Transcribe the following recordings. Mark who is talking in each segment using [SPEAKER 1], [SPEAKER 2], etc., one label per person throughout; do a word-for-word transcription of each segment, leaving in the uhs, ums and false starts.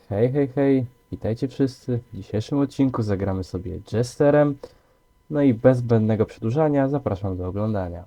[SPEAKER 1] Hej, hej, hej, witajcie wszyscy. W dzisiejszym odcinku zagramy sobie Jesterem. No i bez zbędnego przedłużania zapraszam do oglądania.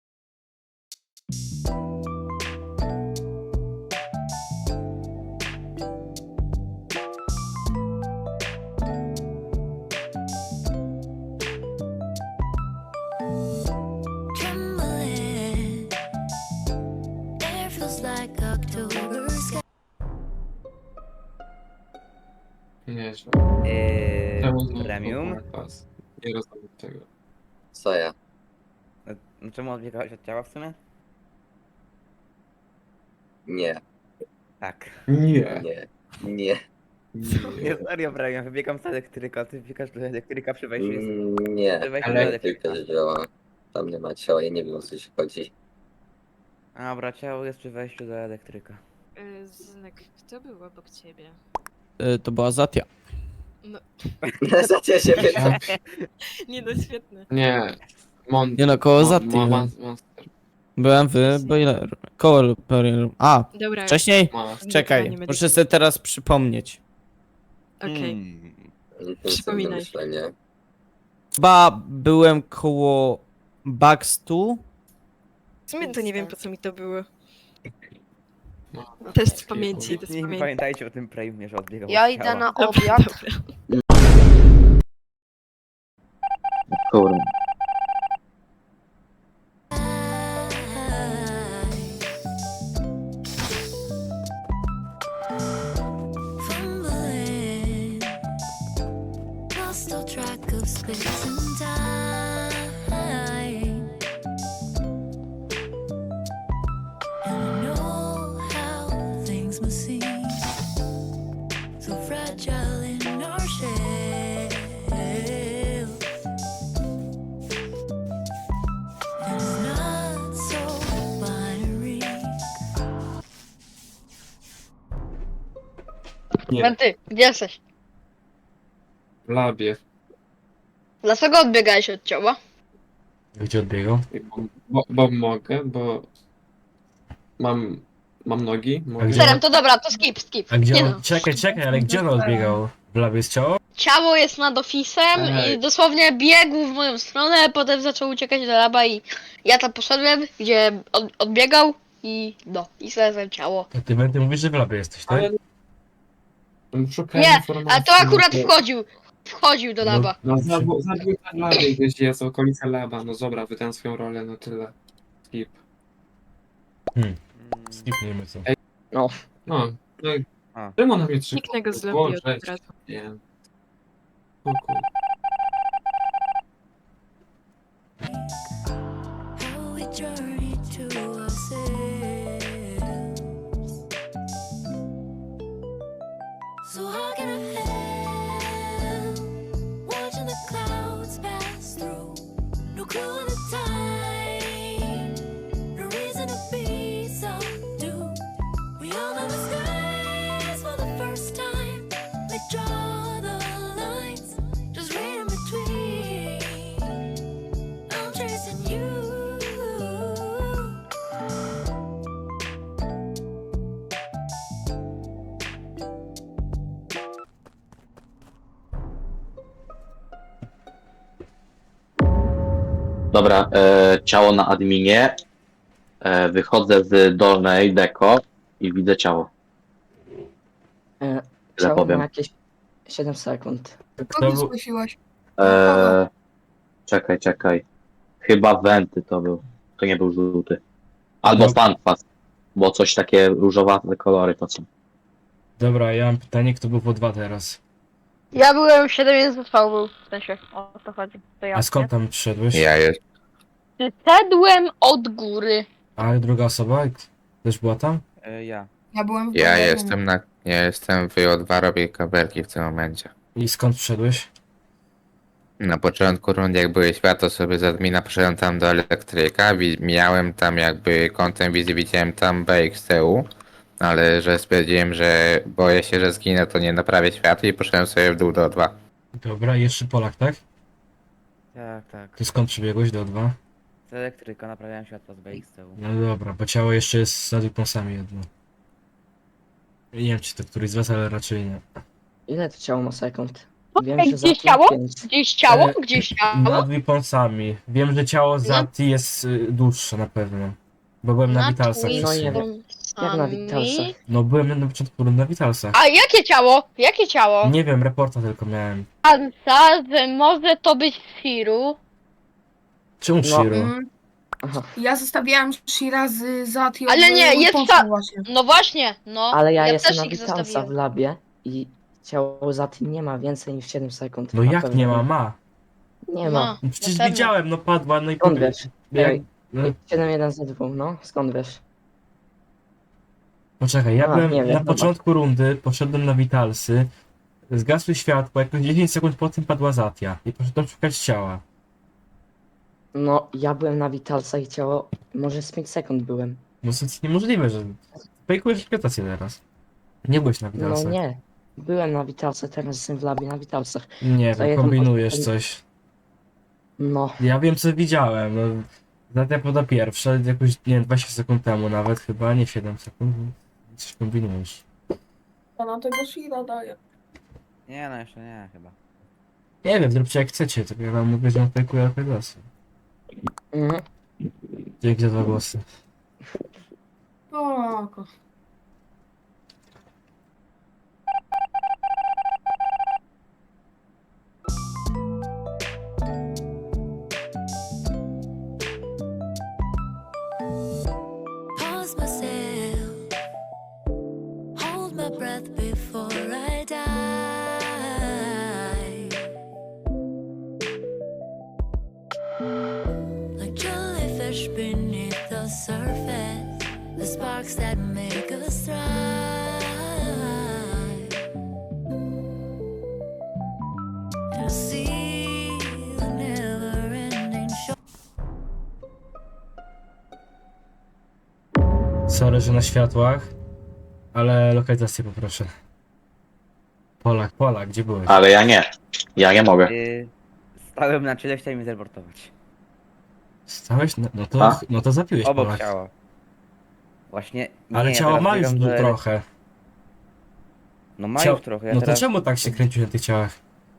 [SPEAKER 2] Trembling, air feels like October sky.
[SPEAKER 3] Nieźle.
[SPEAKER 4] Yy,
[SPEAKER 3] Czemu znowu
[SPEAKER 4] premium?
[SPEAKER 3] kwas? Nie rozumiem tego.
[SPEAKER 5] Co ja?
[SPEAKER 4] No, no czemu odbiegałeś od ciała w sumie?
[SPEAKER 5] Nie,
[SPEAKER 4] Tak.
[SPEAKER 3] Nie.
[SPEAKER 5] nie, nie,
[SPEAKER 4] Nie, serio premium, wybiegam z elektryka, ty wybiegasz do elektryka przy wejściu jest...
[SPEAKER 5] mm, nie.
[SPEAKER 4] Przy wejściu do
[SPEAKER 3] Ale-
[SPEAKER 4] elektryka.
[SPEAKER 5] Elektryka działa. Tam nie ma ciała, ja nie wiem o co się chodzi.
[SPEAKER 4] A dobra, ciało jest przy wejściu do elektryka.
[SPEAKER 6] Y, Zynek, kto był obok ciebie?
[SPEAKER 7] Y, To była Zatia.
[SPEAKER 6] No,
[SPEAKER 5] Zacie się pyta.
[SPEAKER 6] nie no, świetne.
[SPEAKER 3] Nie. Mon...
[SPEAKER 7] Nie no, koło
[SPEAKER 3] Mon-
[SPEAKER 7] Zaty.
[SPEAKER 3] Mon- Mon- Monster.
[SPEAKER 7] Byłem w boiler. Koło boiler. A,
[SPEAKER 6] Dobra,
[SPEAKER 7] wcześniej?
[SPEAKER 3] Monster.
[SPEAKER 7] Czekaj,
[SPEAKER 6] nie
[SPEAKER 7] muszę sobie teraz przypomnieć.
[SPEAKER 6] okej.
[SPEAKER 4] Hmm.
[SPEAKER 5] Intensywne
[SPEAKER 6] Przypominaj.
[SPEAKER 5] myślenie.
[SPEAKER 7] Chyba byłem koło Baxtu.
[SPEAKER 6] W sumie to nie wiem po co mi to było.
[SPEAKER 3] No.
[SPEAKER 6] Test pamięci, test
[SPEAKER 4] Nie
[SPEAKER 6] pamięci.
[SPEAKER 4] pamiętajcie o tym premiumie, że odbiegał
[SPEAKER 8] Ja
[SPEAKER 4] od
[SPEAKER 8] idę
[SPEAKER 4] ciała.
[SPEAKER 8] na
[SPEAKER 6] Dobra,
[SPEAKER 8] obiad.
[SPEAKER 6] dobra.
[SPEAKER 5] Kurwa.
[SPEAKER 2] Fumbling, lost all track of space and time. And I know how things must seem so fragile in our shell. And it's not so binary.
[SPEAKER 3] Nie.
[SPEAKER 8] Menty, gdzie jesteś?
[SPEAKER 3] W labie.
[SPEAKER 8] Dlaczego odbiegałeś od ciała?
[SPEAKER 1] Gdzie odbiegał?
[SPEAKER 3] Bo, bo, bo mogę, bo... Mam... Mam nogi. Mogę.
[SPEAKER 1] gdzie-
[SPEAKER 8] Serem, to dobra, to skip, skip.
[SPEAKER 1] A gdzie
[SPEAKER 8] Nie
[SPEAKER 1] on...
[SPEAKER 8] no.
[SPEAKER 1] Czekaj, czekaj, ale gdzie on odbiegał? W labie jest ciało?
[SPEAKER 8] Ciało jest nad ofisem
[SPEAKER 3] Ej.
[SPEAKER 8] i dosłownie biegł w moją stronę, potem zaczął uciekać do laba i ja tam poszedłem, gdzie od, odbiegał i no, i znalazłem ciało.
[SPEAKER 1] A ty będę mówisz, że w labie jesteś, tak?
[SPEAKER 3] Ale... Szukałem
[SPEAKER 8] Nie,
[SPEAKER 3] informacji,
[SPEAKER 8] ale to akurat
[SPEAKER 3] no to-
[SPEAKER 8] wchodził, wchodził do laba.
[SPEAKER 3] No zabił zabił ten labie gdzieś jest, okolica laba. No dobra, wydałem swoją rolę, no tyle. Skip.
[SPEAKER 4] Mm.
[SPEAKER 1] Skipniemy co.
[SPEAKER 3] No, no i...
[SPEAKER 4] A.
[SPEAKER 3] Czemu na mnie trzy?
[SPEAKER 6] Kliknę go z
[SPEAKER 3] Było
[SPEAKER 6] lobby od
[SPEAKER 3] sześć.
[SPEAKER 6] razu.
[SPEAKER 3] Nie. Kuku.
[SPEAKER 2] How we journey to ourselves. So how can I help watching the clouds pass through? No clue in the time, no reason to be subdued. We all know the skies for the first time. They draw the lines, just read in between. I'm chasing you.
[SPEAKER 9] Dobra, e, ciało na adminie. E, wychodzę z dolnej deko i widzę ciało.
[SPEAKER 10] E,
[SPEAKER 9] Tyle
[SPEAKER 10] Ciało
[SPEAKER 9] powiem.
[SPEAKER 10] ma jakieś siedem sekund.
[SPEAKER 1] Kto był...
[SPEAKER 9] E, czekaj, czekaj. Chyba Wenty to był. To nie był żółty. Albo
[SPEAKER 1] No.
[SPEAKER 9] Stanfast. Bo coś takie różowate kolory to są.
[SPEAKER 1] Dobra, ja mam pytanie, kto był po dwa teraz?
[SPEAKER 8] Ja byłem siedem jeden został był, w sensie, o to chodzi. To ja.
[SPEAKER 1] A skąd tam przyszedłeś?
[SPEAKER 11] Ja jest.
[SPEAKER 8] Szedłem od góry.
[SPEAKER 1] A druga osoba? Też była tam?
[SPEAKER 4] E, ja.
[SPEAKER 10] Ja byłem w
[SPEAKER 11] Ja jestem na. Ja jestem w O dwa, robię kabelki w tym momencie.
[SPEAKER 1] I skąd przyszedłeś?
[SPEAKER 11] Na początku rundy, jak były światło, sobie z admina poszedłem tam do elektryka. wi- Miałem tam jakby kątem wizji, widziałem tam B X T U. Ale że stwierdziłem, że boję się, że zginę, to nie naprawię światła i poszedłem sobie w dół do O dwa.
[SPEAKER 1] Dobra, jeszcze Polak, tak?
[SPEAKER 4] Tak, tak.
[SPEAKER 1] To skąd przybiegłeś do O dwa?
[SPEAKER 4] Z elektryka naprawiałem światło z B X T U.
[SPEAKER 1] No dobra, bo ciało jeszcze jest nad Weaponsami jedno.
[SPEAKER 12] Nie wiem, czy to któryś z was, ale raczej nie.
[SPEAKER 10] Ile to ciało ma sekund? Wiem,
[SPEAKER 8] Ej,
[SPEAKER 10] że
[SPEAKER 8] gdzieś
[SPEAKER 10] za
[SPEAKER 8] ciało?
[SPEAKER 10] pięć.
[SPEAKER 8] Gdzieś ciało?
[SPEAKER 12] E,
[SPEAKER 8] Gdzieś ciało?
[SPEAKER 12] Nad Weaponsami. Wiem, że ciało Zati jest y, dłuższe na pewno. Bo byłem na
[SPEAKER 8] Nad
[SPEAKER 12] Vitalsach.
[SPEAKER 10] No
[SPEAKER 12] przez
[SPEAKER 10] nie
[SPEAKER 12] chwilę.
[SPEAKER 10] wiem. Jak na Vitalsach?
[SPEAKER 12] No byłem na początku na Vitalsach.
[SPEAKER 8] A jakie ciało? Jakie ciało?
[SPEAKER 12] Nie wiem, reporta tylko miałem.
[SPEAKER 8] Pansa, że może to być Siru.
[SPEAKER 12] Czemu
[SPEAKER 10] No.
[SPEAKER 12] Shiro?
[SPEAKER 6] Mm,
[SPEAKER 10] Aha.
[SPEAKER 6] ja zostawiałam Shira z Zati.
[SPEAKER 8] Ale nie, jest ta-
[SPEAKER 6] właśnie.
[SPEAKER 8] No właśnie, no.
[SPEAKER 10] Ale ja, jestem
[SPEAKER 8] też
[SPEAKER 10] na
[SPEAKER 8] ich
[SPEAKER 10] Vitalsa w
[SPEAKER 8] zostawiłem.
[SPEAKER 10] labie i ciało Zati nie ma więcej niż siedem sekund.
[SPEAKER 12] No
[SPEAKER 10] Na
[SPEAKER 12] jak
[SPEAKER 10] pewno.
[SPEAKER 12] nie ma? Ma.
[SPEAKER 10] Nie ma.
[SPEAKER 12] No przecież
[SPEAKER 8] na pewno.
[SPEAKER 12] widziałem, no padła, no i
[SPEAKER 10] Skąd
[SPEAKER 12] powie-
[SPEAKER 10] wiesz?
[SPEAKER 12] Jak,
[SPEAKER 10] Ej,
[SPEAKER 12] no,
[SPEAKER 10] siedem jeden z dwóch, no? Skąd wiesz?
[SPEAKER 12] poczekaj, ja
[SPEAKER 10] A,
[SPEAKER 12] byłem
[SPEAKER 10] nie wiem,
[SPEAKER 12] na
[SPEAKER 10] dobra.
[SPEAKER 12] początku rundy, poszedłem na Vitalsy, zgasły światła, jakoś dziesięć sekund po tym padła Zatia i poszedłem szukać ciała.
[SPEAKER 10] No, ja byłem na Vitalsa i ciało... Może z pięć sekund byłem.
[SPEAKER 12] No to jest niemożliwe, że... Fejkujesz interpretację teraz. Nie byłeś na
[SPEAKER 10] No
[SPEAKER 12] Vitalsach.
[SPEAKER 10] nie. Byłem na Vitalsach, teraz jestem w labie na Vitalsach.
[SPEAKER 12] Nie
[SPEAKER 10] To
[SPEAKER 12] wiem,
[SPEAKER 10] ja tam
[SPEAKER 12] kombinujesz
[SPEAKER 10] poszedłem-
[SPEAKER 12] coś.
[SPEAKER 10] No,
[SPEAKER 12] Ja wiem, co widziałem, no... Zatia poda pierwsza, jakoś, nie wiem, dwadzieścia sekund temu nawet chyba, nie siedem sekund. Coś kombinujesz.
[SPEAKER 6] Ja na tego Shira daję.
[SPEAKER 4] Nie, no jeszcze nie, chyba.
[SPEAKER 12] Nie wiem, zróbcie jak chcecie, tylko ja wam mówię, że on fejkuje głosy.
[SPEAKER 10] mhm.
[SPEAKER 12] Dzięki za dwa głosy.
[SPEAKER 6] Spoko.
[SPEAKER 2] Pause myself, hold my breath before I die. Like jellyfish beneath the surface, the sparks that make us thrive. And I see the never-ending show.
[SPEAKER 12] Sorry, że na światłach, ale lokalizację poproszę. Polak, Polak, gdzie byłeś?
[SPEAKER 9] Ale ja nie. Ja nie mogę.
[SPEAKER 4] Yy, stałem na czele, chciałem mi zreportować.
[SPEAKER 12] Stałeś? No, no to,
[SPEAKER 9] A?
[SPEAKER 12] no to zapiłeś
[SPEAKER 4] Obok
[SPEAKER 12] Polak.
[SPEAKER 4] ciała. Właśnie. Nie,
[SPEAKER 12] Ale
[SPEAKER 4] ja
[SPEAKER 12] ciało
[SPEAKER 4] teraz
[SPEAKER 12] ma już
[SPEAKER 4] biegam
[SPEAKER 12] tu
[SPEAKER 4] do-
[SPEAKER 12] trochę.
[SPEAKER 4] No ma
[SPEAKER 12] Ciało-
[SPEAKER 4] już trochę. Ja
[SPEAKER 12] No to
[SPEAKER 4] teraz...
[SPEAKER 12] czemu tak się kręcisz na tych ciałach?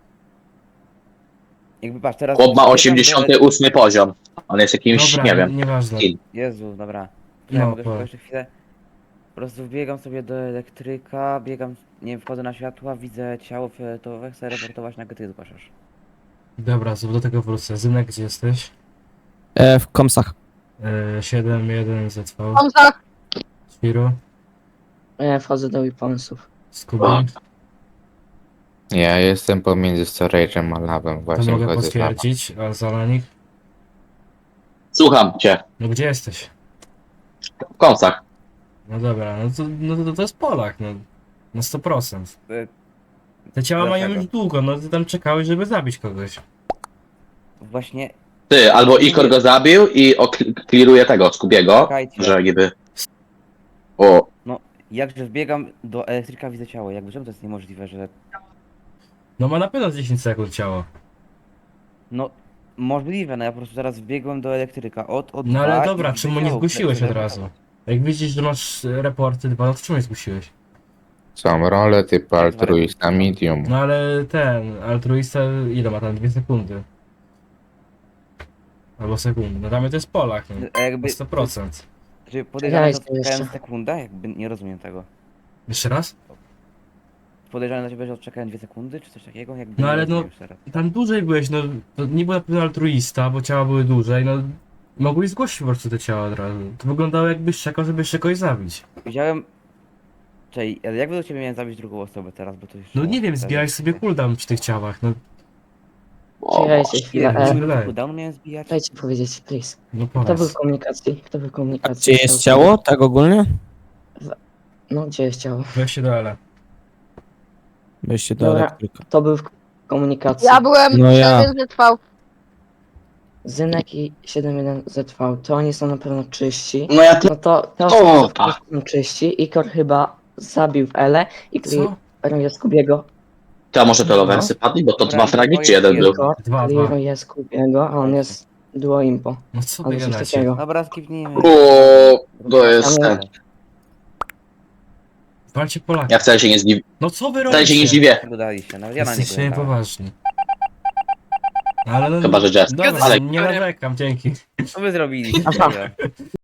[SPEAKER 4] Jakby patrz, teraz.
[SPEAKER 9] Chłop ma
[SPEAKER 4] biegam
[SPEAKER 9] osiemdziesiąty ósmy poziom. On jest jakimś,
[SPEAKER 12] Dobra,
[SPEAKER 9] nie wiem.
[SPEAKER 12] nieważne.
[SPEAKER 9] Skill.
[SPEAKER 4] Do... Jezu, dobra.
[SPEAKER 12] No,
[SPEAKER 4] Ja mogę
[SPEAKER 12] po-
[SPEAKER 4] tylko jeszcze chwilę. Po prostu wbiegam sobie do elektryka, biegam, nie wiem, wchodzę na światła, widzę ciało fioletowe, chcę reportować, nagle ty zgłaszasz.
[SPEAKER 12] Dobra, do tego wrócę. Zynek, gdzie jesteś?
[SPEAKER 7] E, w komsach.
[SPEAKER 12] E, siedem jeden Z V.
[SPEAKER 8] Pansa,
[SPEAKER 12] Shiro,
[SPEAKER 10] Ja wchodzę do Weaponsów.
[SPEAKER 12] Scooby.
[SPEAKER 11] Ja jestem pomiędzy storage'em a labem,
[SPEAKER 12] To
[SPEAKER 11] właśnie
[SPEAKER 12] mogę
[SPEAKER 11] wchodzę z laba.
[SPEAKER 12] potwierdzić, a Zalanik?
[SPEAKER 9] Słucham cię.
[SPEAKER 12] No gdzie jesteś?
[SPEAKER 9] W kąsach.
[SPEAKER 12] No dobra, no to, no to, to jest Polak, no. Na sto procent.
[SPEAKER 4] Y,
[SPEAKER 12] Te ciała mają
[SPEAKER 4] Dlaczego?
[SPEAKER 12] już długo, no ty tam czekałeś, żeby zabić kogoś.
[SPEAKER 4] Właśnie,
[SPEAKER 9] Ty, albo Ikor go zabił i kliruje tego, Skubiego,
[SPEAKER 4] Czekajcie.
[SPEAKER 9] że niby... O,
[SPEAKER 4] jakże wbiegam do elektryka, widzę ciało, jakby czemu to jest niemożliwe, że...
[SPEAKER 12] No ma na pewno dziesięć sekund ciało.
[SPEAKER 4] No, możliwe, no ja po prostu teraz wbiegłem do elektryka, od, od
[SPEAKER 12] No
[SPEAKER 4] dwa
[SPEAKER 12] ale
[SPEAKER 4] i
[SPEAKER 12] dobra,
[SPEAKER 4] widzę
[SPEAKER 12] czemu nie
[SPEAKER 4] ciało,
[SPEAKER 12] zgłosiłeś
[SPEAKER 4] które-
[SPEAKER 12] od razu? Jak widzisz, że masz e, raporty dwa, no to czemu nie zgłosiłeś?
[SPEAKER 11] Są role typu altruista, medium.
[SPEAKER 12] No ale ten, altruista ile ma tam? Dwie sekundy. Albo sekundy. No tam to jest Polak, no.
[SPEAKER 4] A jakby,
[SPEAKER 12] Na sto procent.
[SPEAKER 4] czy podejrzane,
[SPEAKER 10] Ja
[SPEAKER 4] że
[SPEAKER 10] jestem
[SPEAKER 4] odczekałem
[SPEAKER 10] jeszcze.
[SPEAKER 4] sekundę? Jakby nie rozumiem tego.
[SPEAKER 12] Jeszcze raz?
[SPEAKER 4] Podejrzane dla ciebie, że odczekałem dwie sekundy, czy coś takiego? Jakby
[SPEAKER 12] No
[SPEAKER 4] nie
[SPEAKER 12] ale
[SPEAKER 4] rozumiem
[SPEAKER 12] no-
[SPEAKER 4] już teraz.
[SPEAKER 12] Tam dłużej byłeś, no to nie był na pewno altruista, bo ciała były dłużej, no mogłeś zgłosić po prostu te ciała od razu. To wyglądało jakbyś czekał, żeby jeszcze kogoś zabić.
[SPEAKER 4] Widziałem... Czej, ale jak do ciebie miałem zabić drugą osobę teraz, bo to już...
[SPEAKER 12] No nie wiem, zbijałeś sobie cooldown przy tych ciałach, no,
[SPEAKER 10] Czekajcie chwilę.
[SPEAKER 12] mi się
[SPEAKER 10] E,
[SPEAKER 12] wydaje.
[SPEAKER 4] Cooldownu miałem zbijać?
[SPEAKER 10] dajcie powiedzieć, please.
[SPEAKER 12] no
[SPEAKER 10] Kto był
[SPEAKER 12] powiedz.
[SPEAKER 10] w komunikacji? Kto był w
[SPEAKER 7] A
[SPEAKER 10] komunikacji?
[SPEAKER 7] gdzie jest ciało? Tak ogólnie?
[SPEAKER 10] No, gdzie jest ciało?
[SPEAKER 12] Weź się do L.
[SPEAKER 7] Wejście do
[SPEAKER 10] Dobra.
[SPEAKER 7] elektryka.
[SPEAKER 10] Kto był w komunikacji?
[SPEAKER 8] ja byłem
[SPEAKER 7] No ja.
[SPEAKER 8] siedem Z V.
[SPEAKER 10] Zynek i siedem jeden Z V. To oni są na pewno czyści.
[SPEAKER 9] no ja...
[SPEAKER 10] No to te
[SPEAKER 9] O,
[SPEAKER 10] osoby
[SPEAKER 9] tak.
[SPEAKER 10] są czyści. Ikor chyba zabił w Ele i
[SPEAKER 12] Co?
[SPEAKER 10] kliruje Skubiego.
[SPEAKER 9] To a może to Lowersy padli, bo to
[SPEAKER 4] Dobra,
[SPEAKER 9] dwa fragi,
[SPEAKER 4] to
[SPEAKER 9] czy
[SPEAKER 4] jest
[SPEAKER 9] jeden był?
[SPEAKER 10] Ikor
[SPEAKER 12] Dwa, dwa.
[SPEAKER 10] kliruje Skubiego, a on jest duo impo.
[SPEAKER 12] No co
[SPEAKER 10] Albo
[SPEAKER 12] wy
[SPEAKER 10] coś
[SPEAKER 12] gadacie?
[SPEAKER 10] takiego.
[SPEAKER 4] Dobra, skipnijmy.
[SPEAKER 9] O, to jest ten.
[SPEAKER 12] Walcie Polaka.
[SPEAKER 9] Ja wcale się nie zdziwię.
[SPEAKER 12] No co wy
[SPEAKER 9] Wcale się nie
[SPEAKER 12] robicie?
[SPEAKER 9] zdziwię.
[SPEAKER 4] Udaliście, nawet ja na niego
[SPEAKER 12] Jesteście
[SPEAKER 4] jechałem.
[SPEAKER 12] niepoważni. Ale no,
[SPEAKER 9] Chyba, że Jester.
[SPEAKER 12] dobra,
[SPEAKER 9] Ale-
[SPEAKER 12] nie narzekam, dzięki.
[SPEAKER 4] Co wy zrobiliście?
[SPEAKER 10] Aha.
[SPEAKER 4] serio?